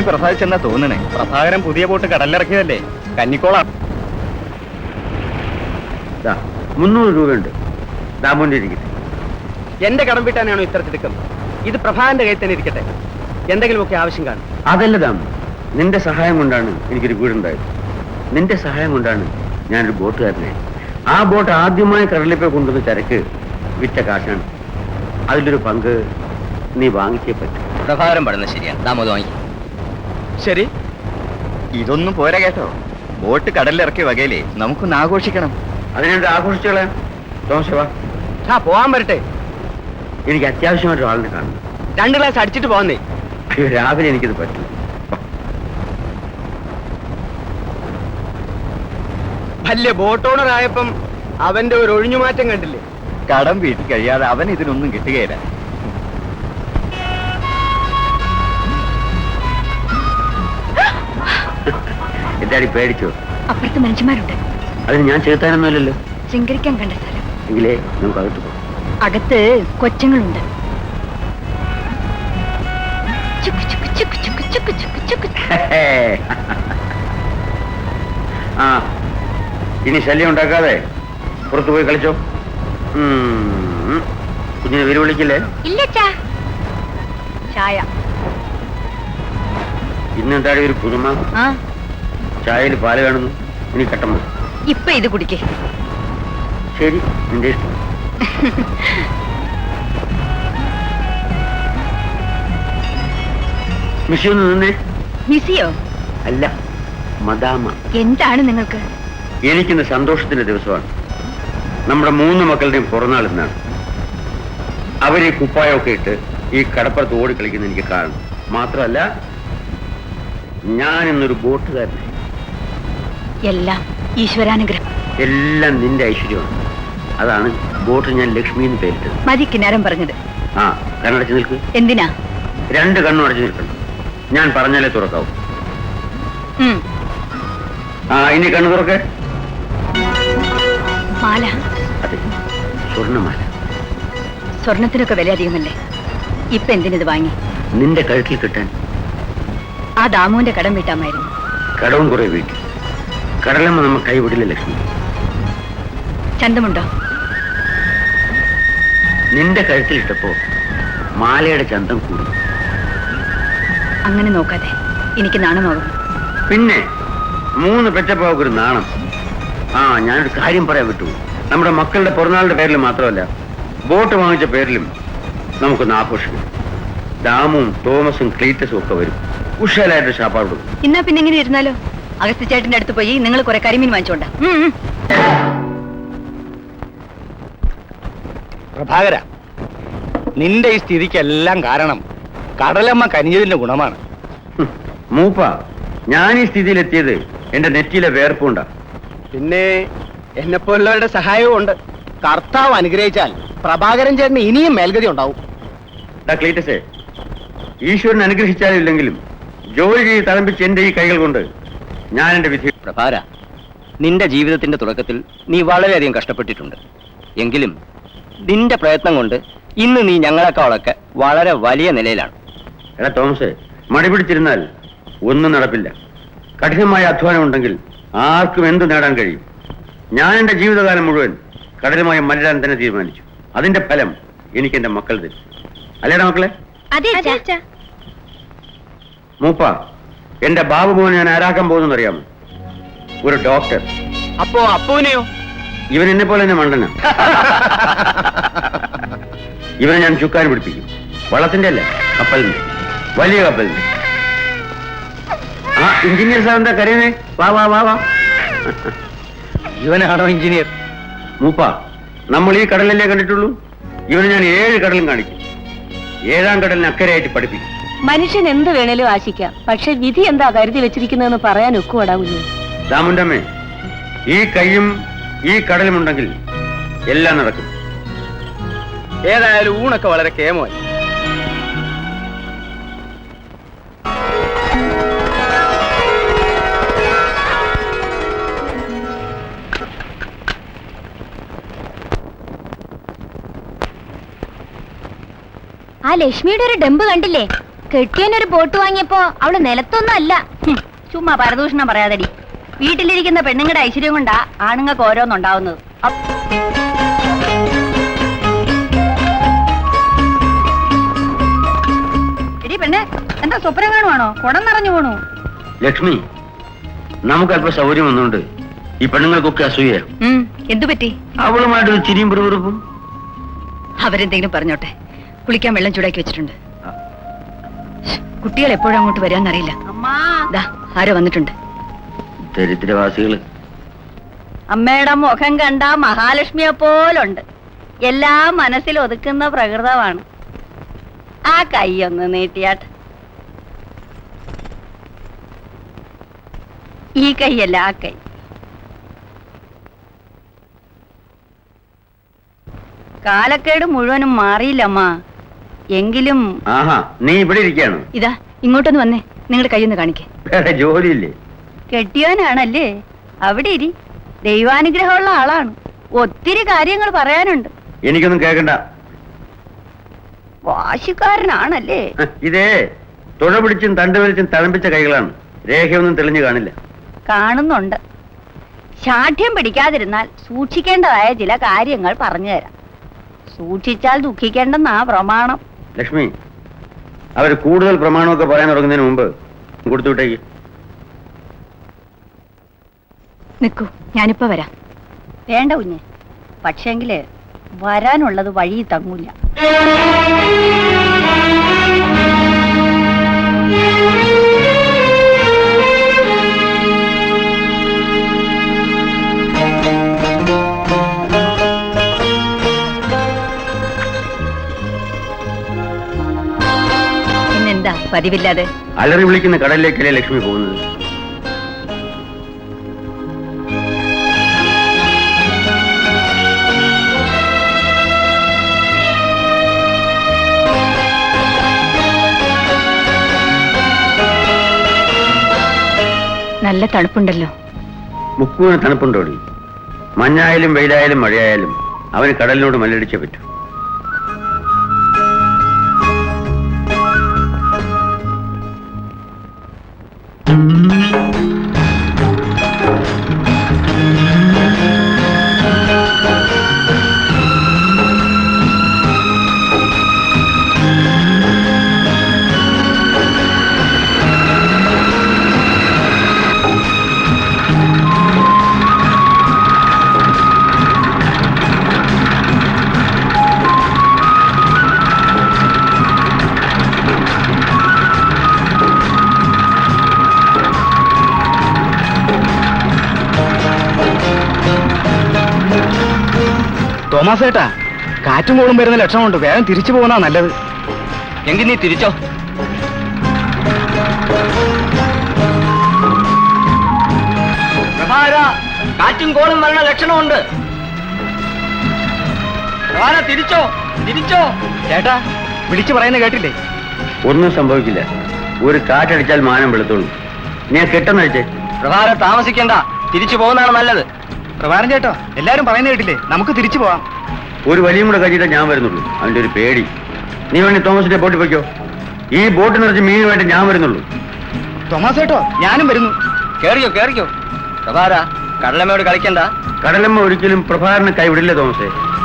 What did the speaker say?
പ്രസാദിച്ചെന്നാ തോന്നണേ. പ്രഭാകരൻ പുതിയ ബോട്ട് കടലിറക്കിയതല്ലേ, കന്നിക്കോളാണ്. 300 രൂപയുണ്ട്. ദാമോന്റെ ഇരിക്കട്ടെ. എന്റെ കടം വീട്ടാനാണോ ഇത്ര തിടുക്കം? ഇത് പ്രഭാകരന്റെ കയ്യിൽ തന്നെ ഇരിക്കട്ടെ. എന്തെങ്കിലുമൊക്കെ ആവശ്യം കാണും. അതല്ല ദാമു, നിന്റെ സഹായം കൊണ്ടാണ് എനിക്കൊരു വീടുണ്ടായത്. നിന്റെ സഹായം കൊണ്ടാണ് ഞാനൊരു ബോട്ടുകാരനെ. ആ ബോട്ട് ആദ്യമായി കടലിൽ പോയി കൊണ്ടുവന്ന ചരക്ക് വിറ്റ കാശാണ്. അതിലൊരു പങ്ക് നീ വാങ്ങിച്ചേ പറ്റും. പ്രഭാകരൻ പറയുന്നത് ശരിയാണ്. ദാമോദ് വാങ്ങി. ശരി, ഇതൊന്നും പോരാ കേട്ടോ. ബോട്ട് കടലിലിറക്കിയ വകയിലേ നമുക്കൊന്ന് ആഘോഷിക്കണം. അതിനെന്ത് ആഘോഷിച്ചോളെ തോമസേവാ. പോവാൻ വരട്ടെ. എനിക്ക് അത്യാവശ്യമായിട്ട് ആളിനെ കാണണം. 2 ഗ്ലാസ് അടിച്ചിട്ട് പോന്നേ. അയ്യോ, രാവിലെ എനിക്കിത് പറ്റും. വലിയ ബോട്ട് ഓണർ ആയപ്പം അവന്റെ ഒരു ഒഴിഞ്ഞുമാറ്റം കണ്ടില്ലേ? കടം വീട്ടിൽ കഴിയാതെ അവൻ ഇതിനൊന്നും കിട്ടുകയില്ല. എന്താടി പേടിച്ചോ? അപ്പുറത്ത് മനുഷ്യന്മാരുണ്ട്. അതിന് ഞാൻ ചേർത്താനൊന്നുമല്ലല്ലോ. ശൃംഗരിക്കാൻ കണ്ട സ്ഥലം. എങ്കിലേ നമുക്ക് അകത്ത് പോകാം. അകത്ത് കൊച്ചങ്ങളുണ്ട്. ചുക്ക് ചുക്ക് ചുക്ക് ചുക്ക് ചുക്ക് ചുക്ക് ചുക്ക്. ആ, ഇനി ശല്യം ഉണ്ടാക്കാതെ പുറത്തു പോയി കളിച്ചോ. കുഞ്ഞിനെ വീര് വിളിക്കില്ലേ? ഇല്ല ചായ. ഇന്നെന്താടി ഒരു പുതുമ? ചായയിൽ പാല് കാണുന്നു. ഇനി കട്ടമ്മ. ഇപ്പൊ ഇത് കുടിക്കേ. ശരി, നിന്റെ ഇഷ്ടം. മിസ്സിയൊന്ന് നിന്നേ. മിസ്സിയോ? അല്ല, മദാമ. എന്താണ് നിങ്ങൾക്ക്? എനിക്കിന്ന് സന്തോഷത്തിന്റെ ദിവസമാണ്. നമ്മുടെ 3 മക്കളുടെയും പിറന്നാൾ ഇന്നാണ്. അവര് കുപ്പായമൊക്കെ ഇട്ട് ഈ കടപ്പുറത്ത് ഓടിക്കളിക്കുന്ന എനിക്ക് കാണണം. മാത്രമല്ല, ഞാൻ ഇന്നൊരു ബോട്ടുകാരനായി. എല്ലാം ഈശ്വരാനുഗ്രഹം. എല്ലാം നിന്റെ ഐശ്വര്യമാണ്. അതാണ് ബോട്ട് ഞാൻ ലക്ഷ്മി എന്ന് പേരിട്ടത്. മതി കിന്നാരം പറഞ്ഞത്. ആ, കണ്ണടച്ച് നിൽക്ക്. എന്തിനാ? 2 കണ്ണും അടച്ചു നിൽക്കണം. ഞാൻ പറഞ്ഞാലേ തുറക്കാവൂ. ആ, ഇനി കണ്ണു തുറക്കേ. മാല. അതെ, സ്വർണ്ണമാല. സ്വർണത്തിനൊക്കെ വില അധികമല്ലേ? ഇപ്പൊ എന്തിനത് വാങ്ങി? നിന്റെ കഴുത്തിൽ കിട്ടാൻ. ആ ദാമുവിന്റെ കടം വീട്ടാമായിരുന്നു. കടവും കുറെ വീട്ടി. കടലമ്മ നമ്മ കൈവിടില്ല ലക്ഷ്മി. ചന്തമുണ്ടോ? നിന്റെ കഴുത്തിലിട്ടപ്പോ മാലയുടെ ചന്തം കൂടി. അങ്ങനെ നോക്കാതെ എനിക്ക് നാണമാകും. പിന്നെ 3 പെറ്റപ്പാവൊരു നാണം. ആ, ഞാനൊരു കാര്യം പറയാൻ വിട്ടു. നമ്മുടെ മക്കളുടെ പിറന്നാളിന്റെ പേരിലും മാത്രമല്ല, ബോട്ട് വാങ്ങിച്ച പേരിലും നമുക്കൊന്ന് ആഘോഷിക്കും. ദാമും തോമസും ക്ലീറ്റസും ഒക്കെ വരും. ഉഷാലായിട്ട് ഷാപ്പാട് കൊടുക്കും. ഇന്നാ പിന്നെ ഇങ്ങനെ ഇരുന്നാലോ? അഗസ്ത്യ ചേട്ടന്റെ അടുത്ത് പോയി നിങ്ങൾ കുറെ കരിമീൻ വാങ്ങിച്ചോണ്ട. പ്രഭാകര, നിന്റെ ഈ സ്ഥിതിക്കെല്ലാം കാരണം കടലമ്മ കനിഞ്ഞതിന്റെ ഗുണമാണ്. മൂപ്പ, ഞാൻ ഈ സ്ഥിതിയിലെത്തിയത് എന്റെ നെറ്റിയിലെ വേർപ്പുണ്ടാ. പിന്നെ എന്നെപ്പോലുള്ളവരുടെ സഹായവും ഉണ്ട്. കർത്താവ് അനുഗ്രഹിച്ചാൽ പ്രഭാകരൻ ചേട്ടന് ഇനിയും മേൽഗതി ഉണ്ടാവും. ക്ലീറ്റസേ, ഈശ്വരൻ അനുഗ്രഹിച്ചാലും ഇല്ലെങ്കിലും ജോലി ചെയ്ത് തളമ്പിച്ച് എന്റെ ഈ കൈകൾ കൊണ്ട് ഞാൻ എന്റെ വിധി. പ്രഭാര, നിന്റെ ജീവിതത്തിന്റെ തുടക്കത്തിൽ നീ വളരെയധികം കഷ്ടപ്പെട്ടിട്ടുണ്ട്. എങ്കിലും നിന്റെ പ്രയത്നം കൊണ്ട് ഇന്ന് നീ ഞങ്ങളെക്കാളൊക്കെ വളരെ വലിയ നിലയിലാണ്. എടാ തോമസേ, മടി പിടിച്ചിരുന്നാൽ ഒന്നും നടപ്പില്ല. കഠിനമായ അധ്വാനം ഉണ്ടെങ്കിൽ ആർക്കും എന്ത് നേടാൻ കഴിയും. ഞാൻ എന്റെ ജീവിതകാലം മുഴുവൻ കഠിനമായി മരിടാൻ തന്നെ തീരുമാനിച്ചു. അതിന്റെ ഫലം എനിക്ക് എന്റെ മക്കൾ തരും. അല്ലേടാ മക്കളെ? മൂപ്പ, എന്റെ ബാബു മോനെ ഞാൻ ആരാക്കാൻ പോകുന്നറിയാമോ? ഒരു ഡോക്ടർ. അപ്പോ അപ്പൂനെയോ? ഇവൻ എന്നെ പോലെ തന്നെ മണ്ടന. ഇവനെ ഞാൻ ചുക്കാൻ പിടിപ്പിക്കും. വള്ളത്തിന്റെ അല്ല, കപ്പലിന്റെ, വലിയ കപ്പലിന്റെ. ആ, എഞ്ചിനീയർ സാർ എന്താ കരയുന്നേ? വാ വാ വാ വാ. ഇവനാണോ എഞ്ചിനീയർ? മൂപ്പ, നമ്മൾ ഈ കടലല്ലേ കണ്ടിട്ടുള്ളൂ. ഇവന് ഞാൻ 7 കടലും കാണിക്കും. 7ാം കടലിന് അക്കരയായിട്ട് പഠിപ്പിക്കും. മനുഷ്യൻ എന്ത് വേണേലും ആശിക്കാം, പക്ഷെ വിധി എന്താ കരുതി വെച്ചിരിക്കുന്നതെന്ന് പറയാൻ ഒക്കുവടാ കുഞ്ഞു. ദാമുണ്ടമ്മേ, ഈ കൈയും ഈ കടലും ഉണ്ടെങ്കിൽ എല്ലാം നടക്കും. ഏതായാലും ഊണൊക്കെ വളരെ കേമമായി. ആ ലക്ഷ്മിയുടെ ഒരു ഡെമ്പ് കണ്ടില്ലേ? കെട്ടിയനൊരു ബോട്ട് വാങ്ങിയപ്പോ അവള് നിലത്തൊന്നും അല്ല. ചുമ്മാ പരദൂഷണം പറയാതടി. വീട്ടിലിരിക്കുന്ന പെണ്ണുങ്ങളുടെ ഐശ്വര്യം കൊണ്ടാ ആണുങ്ങൾക്ക് ഓരോന്നുണ്ടാവുന്നത്. എടി പെണ്ണെ, എന്താ സ്വപ്നം കാണുവാണോ? കുടം നിറഞ്ഞു പോണു. ലക്ഷ്മി, നമുക്ക് അല്പം സൗകര്യം വന്നുകൊണ്ട് ഈ പെണ്ണുങ്ങൾക്കൊക്കെ അസൂയ. എന്തു പറ്റി? അവളുമായിട്ടൊരു ചിരിയും പിറുപിറുപ്പും. അവരെന്തെങ്കിലും പറഞ്ഞോട്ടെ. കുളിക്കാൻ വെള്ളം ചൂടാക്കി വെച്ചിട്ടുണ്ട്. കുട്ടികൾ എപ്പോഴും അങ്ങോട്ട് വരാന്നറിയില്ല. ദാ ആരോ വന്നിട്ടുണ്ട്. ദരിദ്രവാസികള്. അമ്മയുടെ മുഖം കണ്ട മഹാലക്ഷ്മിയെ പോലുണ്ട്. എല്ലാം മനസ്സിൽ ഒതുക്കുന്ന പ്രകൃതമാണ്. ആ കൈയൊന്ന് നീട്ടിയാട്ട്. ഈ കൈയല്ല, ആ കൈ. കാലക്കേട് മുഴുവനും മാറിയില്ലമ്മ. എങ്കിലും ആഹാ, നീ ഇവിടെ ഇരിക്കാണ്. ഇതാ ഇങ്ങോട്ടൊന്ന് വന്നേ. നിങ്ങളുടെ കൈയൊന്ന് കാണിക്കേ. വേറെ ജോലിയില്ലേ? കെട്ടിയോനാണല്ലേ? അവിടെ ഇരി. ദൈവാനുഗ്രഹമുള്ള ആളാണ്. ഒത്തിരി കാര്യങ്ങൾ പറയാനുണ്ട്. എനിക്കൊന്നും കേൾക്കണ്ട. വാശിക്കാരനാണല്ലേ? ഇതേ തുഴ പിടിച്ചും തണ്ട് വലിച്ചും തഴമ്പിച്ച കൈകളാണ്. രേഖയൊന്നും തെളിഞ്ഞു കാണില്ല. കാണുന്നുണ്ട്. ശാഠ്യം പിടിക്കാതിരുന്നാൽ സൂക്ഷിക്കേണ്ടതായ ചില കാര്യങ്ങൾ പറഞ്ഞു തരാം. സൂക്ഷിച്ചാൽ ദുഃഖിക്കേണ്ടെന്നാ പ്രമാണം. ലക്ഷ്മി, അവർ കൂടുതൽ പ്രമാണമൊക്കെ പറയാൻ തുടങ്ങുന്നതിന് മുമ്പ് കൊടുത്തുവിട്ടേക്ക്. നിൽക്കൂ, ഞാനിപ്പോ വരാം. വേണ്ട കുഞ്ഞെ. പക്ഷേങ്കില് വരാനുള്ളത് വഴി തങ്ങൂല. പിന്നെന്താ പതിവില്ലാതെ? അലറി വിളിക്കുന്ന കടലിലേക്കല്ലേ ലക്ഷ്മി പോകുന്നത്? നല്ല തണുപ്പുണ്ടല്ലോ. മുക്കുവിന് തണുപ്പുണ്ടോടി? മഞ്ഞായാലും വെയിലായാലും മഴയായാലും അവന് കടലിനോട് മല്ലടിച്ചേ പറ്റൂ. തോമസ് ഏട്ടാ, കാറ്റും കോളും വരുന്ന ലക്ഷണമുണ്ട്. വേഗം തിരിച്ചു പോകുന്ന നല്ലത്. എങ്കിൽ നീ തിരിച്ചോ. പ്രഭാര, കാറ്റും കോളും വരണ ലക്ഷണമുണ്ട്. പ്രഭാര, തിരിച്ചോ, തിരിച്ചോ. ചേട്ടാ, വിളിച്ചു പറയുന്ന കേട്ടില്ലേ? ഒന്നും സംഭവിക്കില്ല. ഒരു കാറ്റടിച്ചാൽ മാനം വെളുത്തുള്ളൂ. ഞാൻ കെട്ടെന്ന് വെച്ചേ. പ്രഭാര, താമസിക്കണ്ട. തിരിച്ചു പോകുന്നതാണ് നല്ലത്. പ്രഭാരം ചേട്ടോ, എല്ലാരും പറയുന്ന കേട്ടില്ലേ? നമുക്ക് തിരിച്ചു പോവാം. ഒരു വലിയും കൂടെ കഴിച്ചിട്ടേ ഞാൻ വരുന്നുള്ളൂ. അവന്റെ ഒരു പേടി. നീ വേണ്ടി തോമസിന്റെ ബോട്ടിൽ പോയിക്കോ. ഈ ബോട്ട് നിറച്ച് മീനുമായിട്ട് ഞാൻ വരുന്നുള്ളൂ. തോമസ് ഏട്ടോ, ഞാനും വരുന്നു. കേറിയോ, കേറിയോ. പ്രഭാര, കടലമ്മയോട് കളിക്കണ്ട. കടലമ്മ ഒരിക്കലും പ്രഭാകരനെ കൈവിടില്ല തോമസേ.